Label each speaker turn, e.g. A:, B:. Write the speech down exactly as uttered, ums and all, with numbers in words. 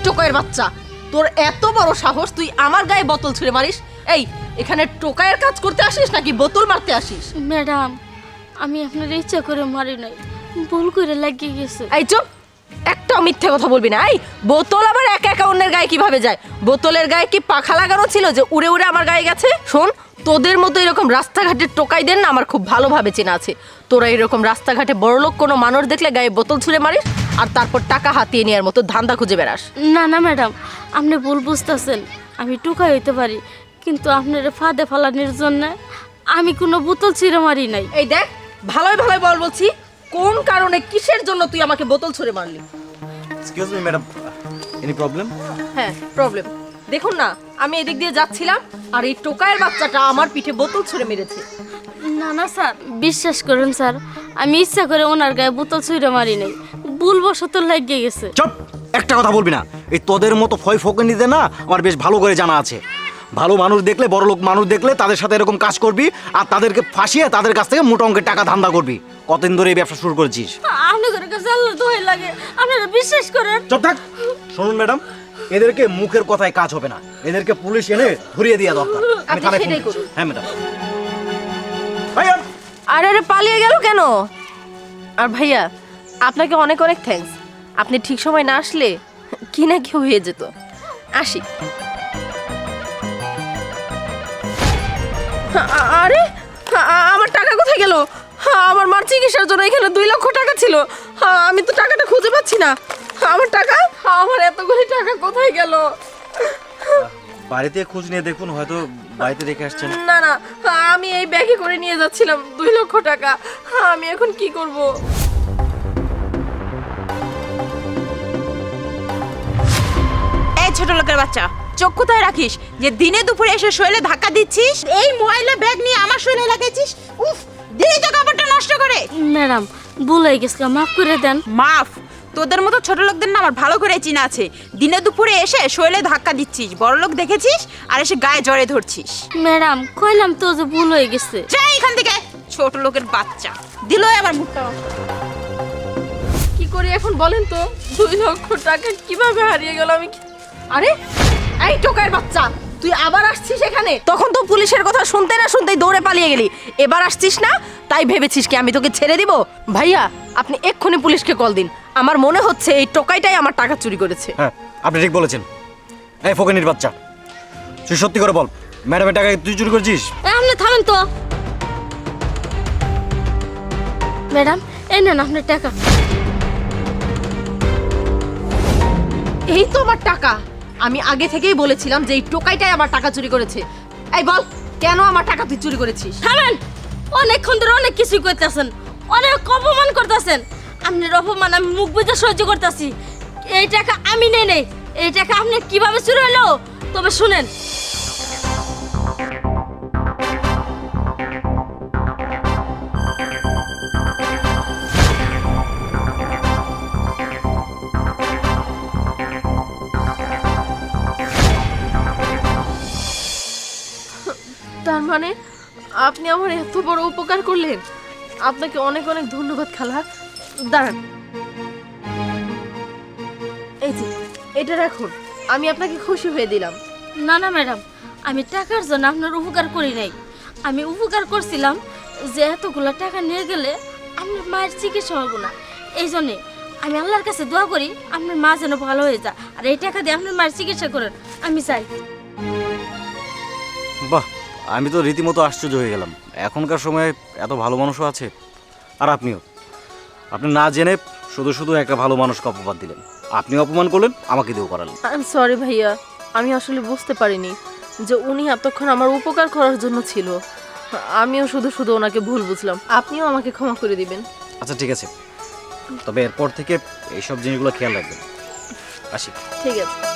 A: টোকাইয়ের বাচ্চা, তোর এত বড় সাহস তুই আমার গায়ে বোতল ছুঁড়ে মারিস? এই এখানে টোকাইয়ের কাজ করতে আসিস নাকি বোতল মারতে আসিস?
B: ম্যাডাম, আমি আপনার ইচ্ছা করে মারি নাই, ভুল করে লাগিয়ে গেছে।
A: এই চুপ, একটাও মিথ্যে কথা বলবি না। এই বোতল আবার একা একা অন্যের গায়ে কিভাবে যায়? বোতলের গায়ে কি পাখা লাগানো ছিল যে উড়ে উড়ে আমার গায়ে গেছে? শোন, তোদের মতো এরকম রাস্তাঘাটের টোকাইদের না আমার খুব ভালোভাবে চেনা আছে। তোরা এরকম রাস্তাঘাটে বড়লোক কোনো মানুষ দেখলে গায়ে বোতল ছুঁড়ে মারিস আর তারপর টাকা হাতিয়ে নেওয়ার মতো ধান্দা খুঁজে বেড়াস।
B: না না ম্যাডাম, আপনি ভুল বুঝতেছেন। আমি টোকাই হইতে পারি, কিন্তু আপনার ফাঁদে ফালানির জন্য আমি কোনো বোতল ছিঁড়ে মারি নাই।
A: এই দেখ, ভালোই ভালোই বল বলছি, কোন কারণে কিসের জন্য তুই আমাকে বোতল ছুঁড়ে মারলি?
C: Excuse me madam, any problem?
A: হ্যাঁ প্রবলেম। দেখুন না, আমি এদিক দিয়ে যাচ্ছিলাম আর এই টোকাইয়ের বাচ্চাটা আমার পিঠে বোতল ছুঁড়ে মেরেছে।
B: না না স্যার, বিশ্বাস করেন স্যার, আমি ইচ্ছা করে ওনার গায়ে বোতল ছুঁড়ে মারি নাই, ভুলবশত লাগিয়ে গেছে।
C: চুপ, একটা কথা বলবি না। এই তোদের মতো ফয় ফকনিতে না আমার বেশ ভালো করে জানা আছে। ভালো মানুষ দেখলে, বড় লোক মানুষ দেখলে তাদের সাথে এরকম কাজ করবি আর তাদেরকে ফাঁসিয়ে তাদের কাছ থেকে মোটা অঙ্কের টাকা ধান্দা করবি। কতদিন ধরে এই ব্যবসা শুরু করেছিস?
B: আপনাদের কাছে আল্লাহ দোহাই লাগে, আপনারা বিশ্বাস করেন।
C: চুপ থাক। শুনুন ম্যাডাম, এদেরকে মুখের কথায় কাজ হবে না, এদেরকে পুলিশ এনে ধরিয়ে দেওয়া দরকার। আমি থানায় ফোন করছি। হ্যাঁ ম্যাডাম। ভাইয়া,
A: আরে আরে পালিয়ে গেল কেন? আর ভাইয়া, আপনাকে অনেক অনেক থ্যাঙ্কস। আপনি ঠিক সময় না আসলে কি না কি হয়ে যেত। আসি। আ- আরে আ- আমার টাকা কোথায় গেল? আমার মার চিকিৎসার জন্য এখানে দুই লক্ষ টাকা ছিল। আমি তো টাকাটা খুঁজে পাচ্ছি না। আমার টাকা, আমার এতগুলি টাকা কোথায় গেল?
C: বাড়িতে খোঁজ নিয়ে দেখুন, হয়তো বাড়িতে রেখে আসছেন।
A: না না, আমি এই ব্যাগে করে নিয়ে যাচ্ছিলাম দুই লক্ষ টাকা। আমি এখন কি করব?
D: এই ছোট লোকের বাচ্চা, চোখ কোথায় রাখিস যে দিনে দুপুরে এসে শরীরে ধাক্কা দিচ্ছিস? এই ময়লা ব্যাগ নিয়ে আমার শরীরে লাগাইছিস? উফ, দিদি তো কাপড়টা নষ্ট করে।
B: ম্যাডাম, ভুল হয়ে গেছিল, মাফ করে দেন।
D: মাফ? তোদের মতো ছোট লোকদের না আমার ভালো করে চিনা আছে। দিনে দুপুরে এসে শরীরে ধাক্কা দিচ্ছিস, বড় লোক দেখেছিস আর এসে গায়ে জড়ে ধরছিস।
B: ম্যাডাম, কইলাম তো যে ভুল হয়ে গেছে।
D: যাই এখান থেকে, ছোট লোকের বাচ্চা। দিলই আমার মুখটা।
A: কি করি এখন বলেন তো? দুই লক্ষ টাকা কিভাবে হারিয়ে গেল? আমি কি- আরে এই টোকাইয়ের বাচ্চা, তুই আবার আসছিস এখানে? তখন তো পুলিশের কথা শুনতে না শুনতেই দৌড়ে পালিয়ে গেলি, এবার আসছিস না? তাই ভেবেছিস কি আমি তোকে ছেড়ে দিব? ভাইয়া, আপনি এক্ষুনি পুলিশকে কল দিন। আমার মনে হচ্ছে এই টোকাইটাই আমার টাকা চুরি করেছে।
C: হ্যাঁ, আপনি ঠিক বলেছেন। এই ফকনির বাচ্চা, তুই সত্যি করে বল, ম্যাডামের টাকা তুই চুরি করেছিস?
B: এ, আপনি থামেন তো। ম্যাডাম, এই নেন আপনার টাকা।
A: এই তো আমার টাকা। আমি আগে থেকেই বলেছিলাম যে এই টোকাইটাই আমার টাকা চুরি করেছে। এই বল, কেন আমার টাকা তুই চুরি করেছিস?
B: থামেন, অনেকক্ষণ ধরে অনেক কিছু করতেছেন, অনেক অপমান করতেছেন। আপনার অপমান আমি মুখ বুঝে সহ্য করতেছি। এই টাকা আমি নেই নেই, এই টাকা আপনার কিভাবে চুরি হলো তবে শুনেন।
A: তার মানে আপনি আমার এত বড় উপকার করলেন। আপনাকে অনেক অনেক ধন্যবাদ খালা। দাঁড়ান, এই যে এটা রাখুন, আমি আপনাকে খুশি হয়ে দিলাম।
B: না না ম্যাডাম, আমি টাকার জন্য আপনার উপকার করি নাই। আমি উপকার করছিলাম যে এতগুলো টাকা নিয়ে গেলে আপনার মায়ের চিকিৎসা হবে না। এই জন্যে আমি আল্লাহর কাছে দোয়া করি আপনার মা যেন ভালো হয়ে যায়, আর এই টাকা দিয়ে আপনার মায়ের চিকিৎসা করেন। আমি চাই।
C: বাহ, আমি তো রীতিমতো আশ্চর্য হয়ে গেলাম। এখনকার সময়ে এত ভালো মানুষও আছে। আর আপনিও, আপনি না জেনে শুধু শুধু একটা ভালো মানুষকে অপবাদ দিলেন। আপনি অপমান করলেন, আমাকে দিয়েও করালেন।
A: আই এম সরি ভাইয়া, আমি আসলে বুঝতে পারিনি যে উনি এতক্ষণ আমার উপকার করার জন্য ছিল। আমিও শুধু শুধু ওনাকে ভুল বুঝলাম। আপনিও আমাকে ক্ষমা করে দিবেন।
C: আচ্ছা ঠিক আছে, তবে এরপর থেকে এইসব জিনিসগুলো খেয়াল রাখবেন। আসি।
A: ঠিক আছে।